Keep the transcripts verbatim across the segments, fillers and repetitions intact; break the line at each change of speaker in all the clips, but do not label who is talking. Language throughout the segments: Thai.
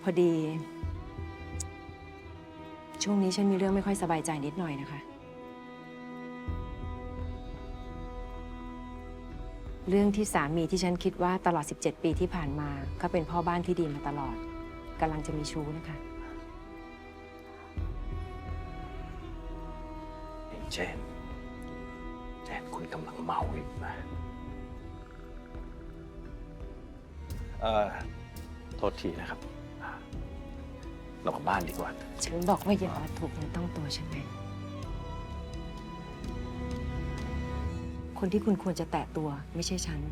พอดี ช่วงนี้ฉันมีเรื่องไม่ค่อยสบายใจนิดหน่อยนะคะ เรื่องที่สามีที่ฉันคิดว่าตลอดสิบเจ็ดปีที่ผ่านมาเขาเป็นพ่อบ้านที่ดีมาตลอดกำลังจะมีชู้นะคะ
เจนเจนคุณกำลังเมาอีกนะเอ่อโทษทีนะครับเรากลับบ้านดีกว่า
ฉันบอกว่าอย่ามาถูกเนื้อต้องตัวฉันไงคนที่คุณควรจะแตะตัวไม่ใช่ฉัน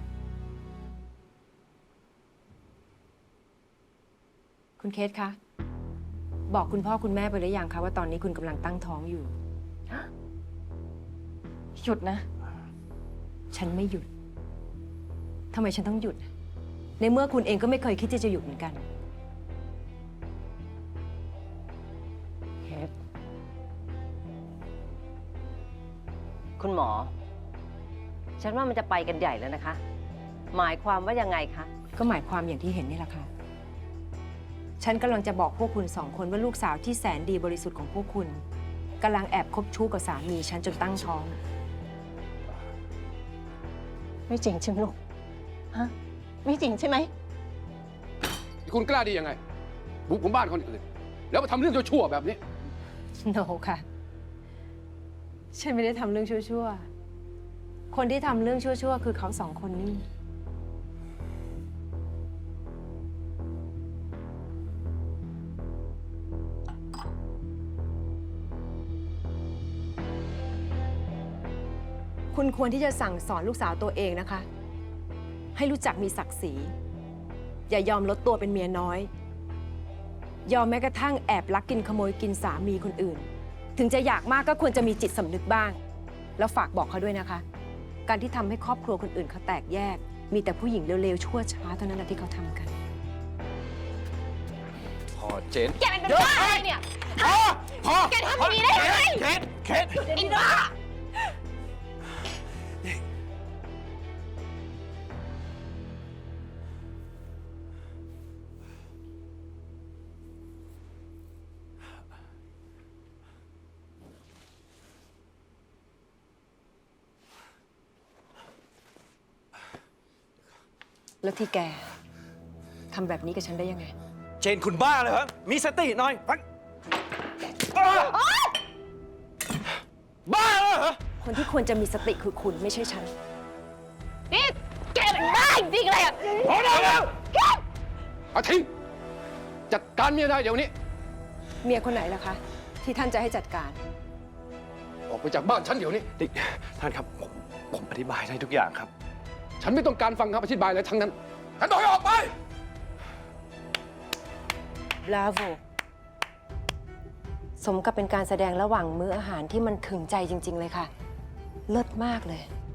คุณเคสคะบอกคุณพ่อคุณแม่ไปหรือยังคะว่าตอนนี้คุณกำลังตั้งท้องอยู่หยุดนะฉันไม่หยุดทำไมฉันต้องหยุดในเมื่อคุณเองก็ไม่เคยคิดที่จะหยุดเหมือนกัน
เคสคุณหมอ ฉันว่ามันจะไปกันใหญ่แล้วนะคะ หมายความว่ายังไงคะ
ก็หมายความอย่างที่เห็นนี่แหละค่ะฉันกำลังจะบอกพวกคุณสองคนว่าลูกสาวที่แสนดีบริสุทธิ์ของพวกคุณกำลังแอบคบชู้กับสามีฉันจนตั้งท้อง
ไม่จริงใช่ไหมลูกฮะไม่จริงใช่ไหม
คุณกล้าดียังไงบุกผมบ้านคนอื่นแล้วมาทำเรื่องชั่วๆแบบนี้
โนค่ะฉันไม่ได้ทำเรื่องชั่วๆคนที่ทำเรื่องชั่วๆคือเขาสองคนนี่คุณควรที่จะสั่งสอนลูกสาวตัวเองนะคะให้รู้จักมีศักดิ์ศรีอย่ายอมลดตัวเป็นเมียน้อยยอมแม้กระทั่งแอบลักกินขโมยกินสามีคนอื่นถึงจะอยากมากก็ควรจะมีจิตสำนึกบ้างแล้วฝากบอกเขาด้วยนะคะการที่ทำให้ครอบครัวคนอื่นเขาแตกแยกมีแต่ผู้หญิงเร็วๆชั่วช้าเท่านั้นแหละที่เขาทำกัน
พอเจน
แกเป็นบ้าอะไรเนี่ย
พอพอ
แกทำอย่างนี้ได้ยังไง
เคสเคส
ไอ้บ้า
แล้วที่แกทำแบบนี้กับฉันได้ยังไง
เจนคุณบ้าเลยเหรอมีสติหน่อยพักบ้าเหรอ
คนที่ควรจะมีสติคือคุณไม่ใช่ฉัน
นี่แกเป็นบ้าจริงๆเลยอ่ะ
พอได้แล้วอาทิตย์จัดการเมียได้เดี๋ยวนี้
เมียคนไหนล่ะคะที่ท่านจะให้จัดการ
ออกไปจากบ้านฉันเดี๋ยวนี้
ท่านครับผมผมอธิบายได้ทุกอย่างครับ
ฉันไม่ต้องการฟังคำอธิบายอะไรทั้งนั้นฉันบอกให้ออกไป
บราโวสมกับเป็นการแสดงระหว่างมื้ออาหารที่มันถึงใจจริงๆเลยค่ะเลิศมากเลย